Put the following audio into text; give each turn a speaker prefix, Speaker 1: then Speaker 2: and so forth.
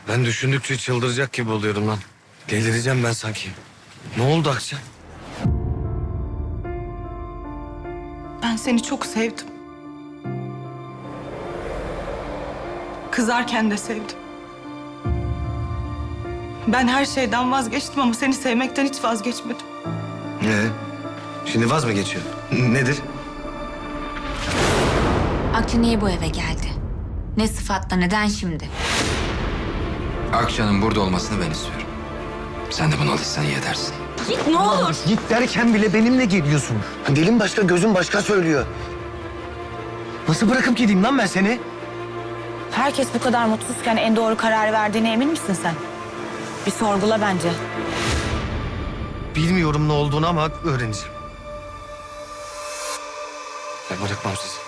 Speaker 1: Ben düşündükçe çıldıracak gibi oluyorum lan. Delireceğim ben sanki. Ne oldu Akça?
Speaker 2: Ben seni çok sevdim. Kızarken de sevdim. Ben her şeyden vazgeçtim ama seni sevmekten hiç vazgeçmedim.
Speaker 1: Şimdi vaz mı geçiyor? Nedir?
Speaker 3: Akça niye bu eve geldi? Ne sıfatla, neden şimdi?
Speaker 4: Akça'nın burada olmasını ben istiyorum. Sen de buna alışsan iyi edersin.
Speaker 3: Git ne olur.
Speaker 5: Git derken bile benimle geliyorsun. Dilin başka, gözün başka söylüyor. Nasıl bırakıp gideyim lan ben seni?
Speaker 6: Herkes bu kadar mutsuzken en doğru kararı verdiğine emin misin sen? Bir sorgula bence.
Speaker 1: Bilmiyorum ne olduğunu ama öğreneceğim. Ben bırakmam sizi.